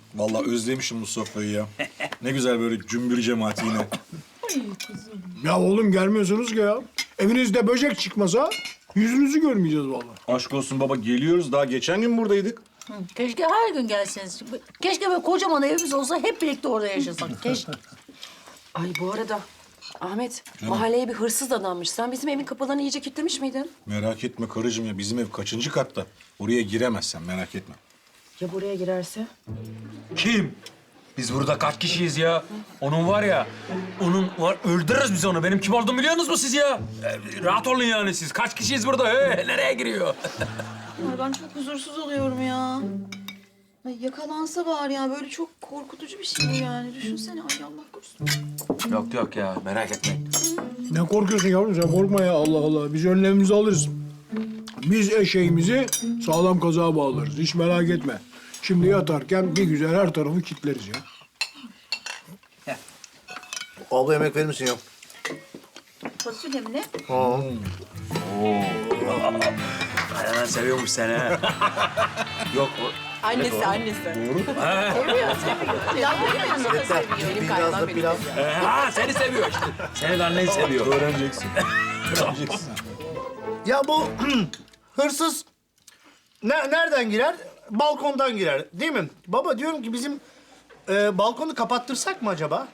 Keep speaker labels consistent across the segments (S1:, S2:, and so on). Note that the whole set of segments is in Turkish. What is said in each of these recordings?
S1: Vallahi özlemişim bu sofrayı ya. Ne güzel böyle cümbür cemaati yine.
S2: Ya oğlum gelmiyorsunuz ki ya. Evinizde böcek çıkmasa yüzünüzü görmeyeceğiz vallahi.
S1: Aşk olsun baba geliyoruz. Daha geçen gün buradaydık.
S3: Keşke her gün gelseniz. Keşke böyle kocaman evimiz olsa hep birlikte orada yaşasak. Keşke.
S4: Ay bu arada Ahmet, mahalleye bir hırsız dadanmış. Sen bizim evin kapılarını iyice kilitlemiş miydin?
S1: Merak etme karıcığım ya. Bizim ev kaçıncı katta? Oraya giremezsen merak etme.
S4: Ya buraya girerse?
S5: Kim? Biz burada kaç kişiyiz ya? Onun var ya, öldürürüz biz onu. Benim kim olduğumu biliyorsunuz mu siz ya? Rahat olun yani siz. Kaç kişiyiz burada? Nereye giriyor?
S6: Ay ben çok huzursuz oluyorum ya. Ay yakalansa var ya böyle çok korkutucu bir şey bu yani. Düşünsene ay Allah korusun.
S5: Yok ya, merak etmeyin.
S2: Ne korkuyorsun yavrum sen korkma ya Allah Allah. Biz önlemimizi alırız. Biz eşeğimizi sağlam kazığa bağlarız. Hiç merak etme. Şimdi yatarken bir güzel her tarafı kilitleriz ya.
S7: Abla yemek verir misin ya?
S6: Fasulye mi ne?
S5: Aynen seviyormuş seni ha. Yok o...
S4: Annesi.
S7: Biraz da pilav.
S5: Ha seni seviyor işte. Senin annen seviyor.
S1: Öğreneceksin. Öğreneceksin.
S7: Ya bu hırsız nereden girer? Balkondan girer değil mi? Baba diyorum ki bizim balkonu kapattırsak mı acaba?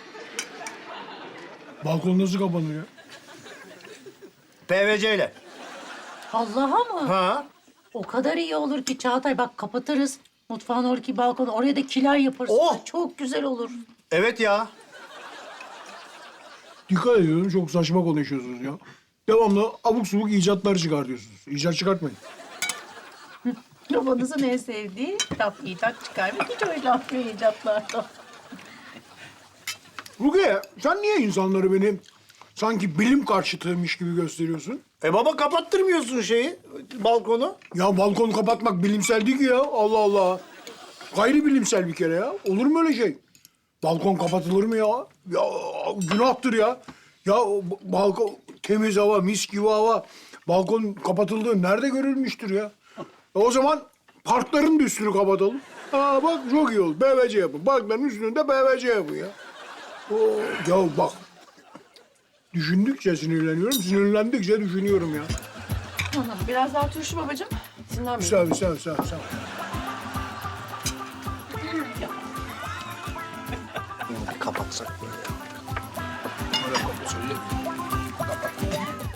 S2: Balkon nasıl kapanır ya?
S7: PVC ile.
S3: Allah'a mı?
S7: Ha?
S3: O kadar iyi olur ki Çağatay. Bak kapatırız. Mutfağın oradaki balkonu. Oraya da kiler yaparız.
S7: Oh!
S3: Çok güzel olur.
S7: Evet ya.
S2: Dikkat ediyorum çok saçma konuşuyorsunuz ya. Devamlı abuk subuk icatlar çıkartıyorsunuz. İcat çıkartmayın.
S3: Babanızın en sevdiği laf icat çıkarmak. Hiç hoşlanmıyor icatlardan.
S2: Rukiye sen niye insanları beni sanki bilim karşıtıymış gibi gösteriyorsun?
S7: Baba kapattırmıyorsun balkonu.
S2: Ya balkonu kapatmak bilimsel değil ki ya. Allah Allah. Gayri bilimsel bir kere ya. Olur mu öyle şey? Balkon kapatılır mı ya? Ya günahtır ya. Ya balkon temiz hava, mis gibi hava. Balkon kapatıldığı nerede görülmüştür ya? O zaman parkların da üstünü kapatalım. Ha bak çok iyi oldu. PVC yapın. Parkların üstünü de PVC yapın ya. Ya bak. Düşündükçe sinirleniyorum, sinirlendikçe düşünüyorum ya.
S4: Biraz daha turşu babacığım. Sinirlenmeyin.
S2: Sağ ol.
S7: Kapatsak böyle ya.